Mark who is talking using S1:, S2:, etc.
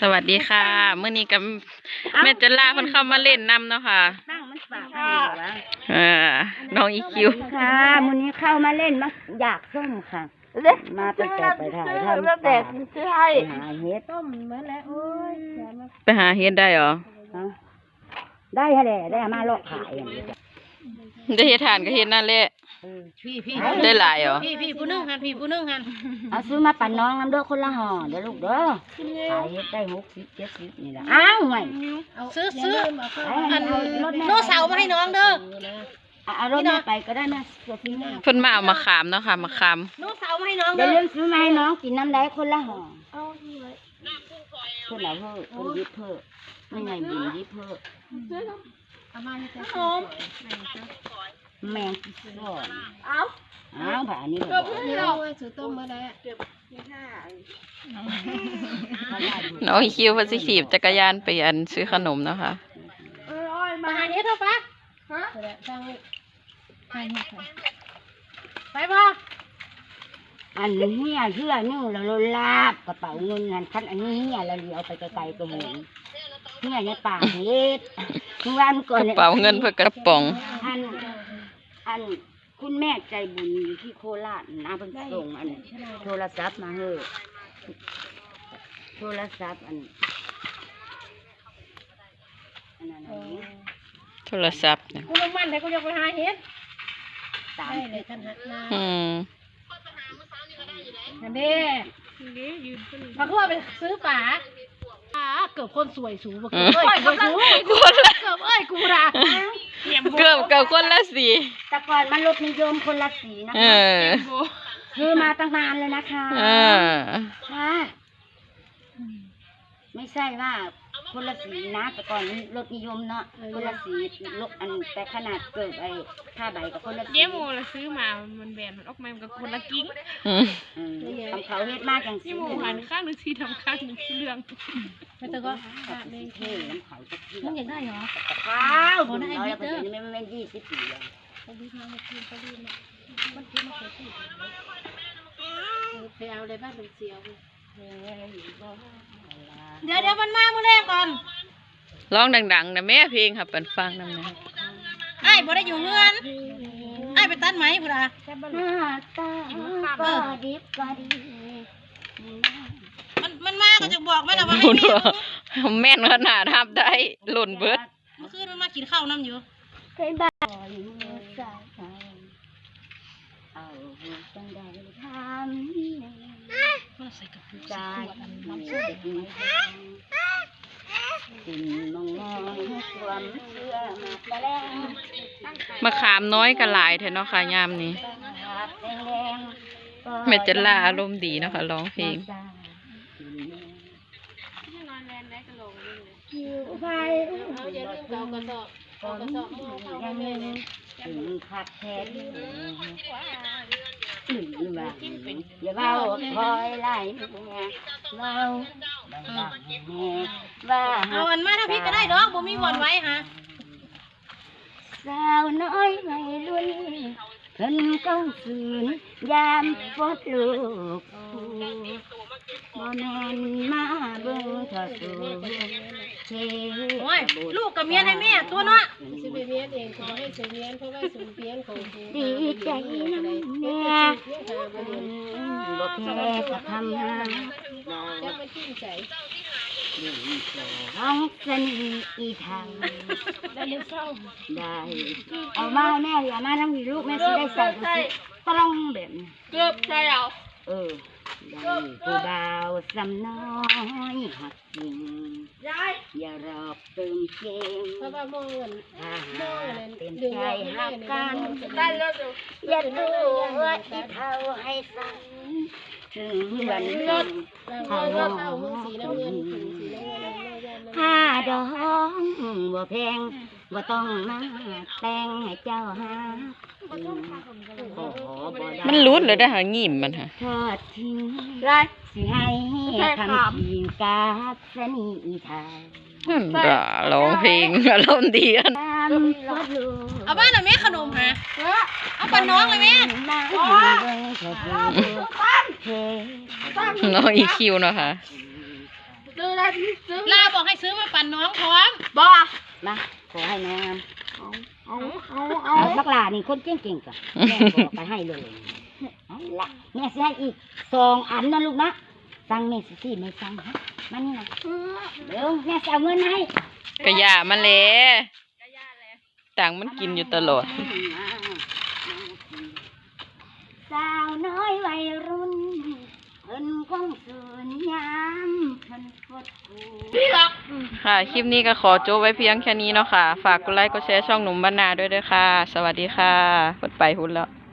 S1: วัสดีค่ะเมื่อนี้กับแม่จันลาเพิ่นเข้ามาเล่นน้ำเนาะค่ะน้องอีคิว
S2: ค่ะมื้อนี้เข้ามาเล่นมาอยากส้มค่ะมาตั้งแต่ไปถ่ายทำป่าหาเห็ดต้มเหมือนแล้วโอ้ย
S1: ไปหาเฮ็ดได้เหรอ
S2: ได้แหละได้มาลอกขายอย่างนี้
S1: ได้เฮ็ดทานก็เฮ็ดนั่นแหละ
S3: พี่
S1: ได้หลายเหรอ
S3: พี่ผู้นึงหันพี่ผู้นึงหัน
S2: เอาซื้อมาปั่นน้องน้ำเด้อคนละห่อเดี๋ยวลูกเด้อขายเฮ็ดได้60 70นี่แหละอ้าวไง
S3: ซื้ออันโน้เสามาให้น้องเด้อ
S2: เอารถไปก็ได้นะเ
S1: พิ่นมาเอามาขามเนาะค่ะมาขาม
S3: โน้เสามาให้น้อง
S2: เดี๋ยวเรื่องซื้อมาให้น้องกินน้ำได้คนละห่อคนละเพิ่มคนยิบเพิ่มไม่ไงบินยิบเพิ่มแมงก่อนเอาผ่านี้ก็
S3: ซื้อต้มมาแล้ว
S1: น้องอีคิวเพิ่นสิขี่จักรยานไปอันซื้อขนมเนาะค่ะ
S3: มาหาเฮ็ดเถอะปะฮะไปบ่
S2: อันนี้เชื่อนึ่งแล้วลาบกระเป๋าเงินงานคันอันนี้เนี่ยเราเลี้ยวไปไกลๆก็เหมือนเนี่ยในป่าเฮ็ดทุกวันก่อน
S1: กระเป๋าเงินเพื่อกระป๋อง
S2: อันคุณแม่ใจบุญอยู่ที่โคราชนะเพิ่งส่งอันโทรศัพท์มาเฮ้อโทรศัพท์อันนั้น
S1: โทรศัพท์
S3: กูลงมันแต่กูอยากไปหาเฮ็ดได้เลยท่านฮะนั่นเด้มาคือว่าไปซื้อป๋าเกือบคนสวยสูงเกือบคนละเกือบกูด่า
S1: เกือบคนละสี
S2: แต่ก่อนมันรถนิยมคนละสีนะคะคือมาตั้งนานเลยนะคะค่ะไม่ใช่ว่าคนละสีนะแต่ก่อนรถนิยมเนาะคนละสีรถอันแต่ขนาดเกิดไอ้ผ้าใบกับคนละสี
S3: เยี่ยมโมละซื้อมามันแบนมันออกมามันกับคนละกิ้ง
S2: ทำเขาเฮ็ดมากอย่างสี
S3: เยี่ยมโมหันข้างหนึ่งสีทำข้างหนึ่งสีเหลืองไม่ต้องก็
S2: เท่น้ำเขาจะกิน
S3: มันอยากได้เหรอ
S2: ข้าวคนได้ไอ้บิ๊กเด้อไม่20 ปีแล้ว
S3: ไปเอาอะไรบ้างเป็นเสียวเดี๋ยวมันมาเมื่อแรกก่อน
S1: ร้องดังๆนะแม่เพลงค่ะเปิดฟังนั่นนะ
S3: ไอ้บ่ได้อยู่เงินไอ้ไปตัดไหมพุทธา
S2: ก็ดิบก็ดี
S3: มันมาก็จะบอกแม่นะว่าให้
S1: แม่นขนาดทับได้หล่นเบิด
S3: เมื่อคืนมันมากินข้าวน้ำอยู่
S2: เคยบ้าเอาจังได้ทำ
S3: ใส่กระปุก
S2: ใจน้ำเชื่อกินมองความเชื่อมาแล้ว
S1: มะขามน้อยกับหลายแท้เนาะค่ะยามนี้แม่จันลาอารมณ์ดีเนาะค่ะร้องเพลง
S2: ขัดแทนอย่าเบาคอยไล่เบา
S3: เอาอันมาถ้าพี่ก็ได้ดอกบ่มีวันไว้ฮะ
S2: สาวน้อยไม่รุ่นเพิ่นเก้าคืนยามฟดลูกบ่แม่นมาเบิ่งเธอสูเช
S3: โอ้ยลูกกับเมียให้แม่ตัวเนาะสิไปเมียเองขอให้เสียเมียเพราะว่าสมเพียนของ
S2: ดีใจนะแม่บ่แค่จะทำงาน
S3: จะมาชื่นใจ
S2: ห้องสนีอีทางได้เอามาแม่อย่ามาทั้งวีลูกแม่สิได้ใส่ต้องแบบ
S3: เกือบใช่เอา
S2: ได้ผู้บ่าวสำน้อยหักจริงอย่ารอบเติมเกม
S3: เพราะว่ามองเงิน
S2: เต็มใจหักกันอย่าดูว่าที่เท่าให้สั่งถึงวัน
S3: เอาสีน้ำเงิน
S2: ผ้าดองบ่แพงบ่ต้องมาแต่งให้เจ้าหา
S1: มันรุดเลยได้หางิ่มมันค่ะ
S2: ทอดทิ้งสิให้ทำทีมกาสนีทาง
S1: ร้องเพลงอารมณ์ดีกัน
S3: เอาบ้านหน่อยแม่ขนมฮะเอาปนน้องเลยแม่
S1: น้องอีคิวเนาะค่ะ
S3: ซื้อได้ซื้อลาบอกให้ซื้อมาปั่นน้องพร้อม
S2: บ่มาขอให้น้องเอาสักหลานี่คนเก่งๆก่อนแม่บอกไปให้เลยเอาละแม่สิให้อีก2 อันนะลูกนะสั่งแม่สิไม่สั่งฮะมานี่นะเดี๋ยวแม่จะเอาเงินให้
S1: กะยามันแหละต่างมันกินอยู่ตลอด
S2: สาวน้อยวัยรุ่นเพิ่นคงสูญยามเพิ่นกดกู
S1: ค่ะ คลิปนี้ก็ขอจบไว้เพียงแค่นี้เนาะค่ะ ฝากกดไลค์กดแชร์ช่องหนุ่มบ้านนาด้วยเด้อค่ะ สวัสดีค่ะกดไปหุ่นแล้ว